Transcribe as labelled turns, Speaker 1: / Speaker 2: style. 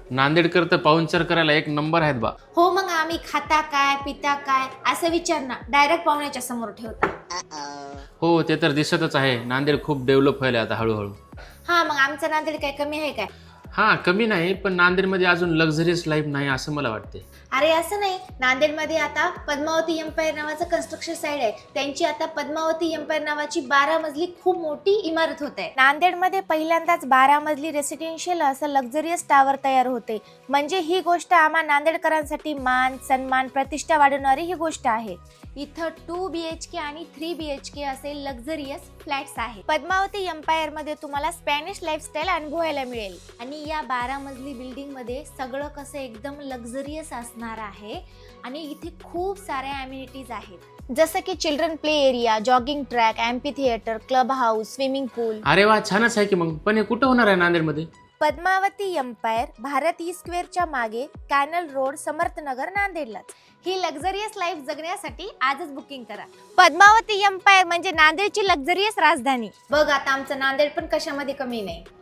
Speaker 1: नांदेडकर तर पाहुणचार करायला एक नंबर आहेत बा.
Speaker 2: हो, मग आम्ही खाता काय पिता काय असं विचार ना डायरेक्ट पाहुण्याच्या समोर ठेवता.
Speaker 1: हो ते तर दिसतच आहे. नांदेड खूप डेव्हलप व्हायला आता हळूहळू.
Speaker 2: हा, मग आमचं नांदेड काय कमी आहे काय?
Speaker 1: हां कमी नाही, पण नांदेडमध्ये अजून लक्झरियस लाईफ नाही असं मला वाटते.
Speaker 2: अरे असं नाही, नांदेडमध्ये आता पद्मावती एम्पायर नावाचं कन्स्ट्रक्शन साईड आहे. त्यांची आता पद्मावती एम्पायर नावाची 12 मजली खूप मोठी इमारत होत आहे. नांदेडमध्ये पहिल्यांदाच 12 मजली रेसिडेन्शियल असं लक्झरियस टावर तयार होते. म्हणजे ही गोष्ट आम्हा नांदेडकरांसाठी मान सन्मान प्रतिष्ठा वाढवणारी ही गोष्ट आहे. इथं 2 BHK आणि 3 BHK असे लक्झरियस फ्लॅट्स आहेत. पद्मावती एम्पायर मध्ये तुम्हाला स्पॅनिश लाईफस्टाईल अनुभवायला मिळेल. आणि या 12 मजली बिल्डिंग मध्ये सगळं कसं एकदम लक्झरियस असणार आहे. आणि इथे खूप साऱ्या अम्युनिटीज आहेत, जसं की children play area, jogging track, amphitheatre, club house, swimming pool.
Speaker 1: अरे वा छानच आहे की. मग पण हे कुठं होणार आहे नांदेडमध्ये?
Speaker 2: पद्मावती एम्पायर भारत स्क्वेअरच्या मागे कॅनल रोड, समर्थनगर, नांदेडलाच. ही लक्झरियस लाईफ जगण्यासाठी आजच बुकिंग करा. पद्मावती एम्पायर म्हणजे नांदेडची लक्झरियस राजधानी. बघ आता आमचं नांदेड पण कशामध्ये कमी नाही.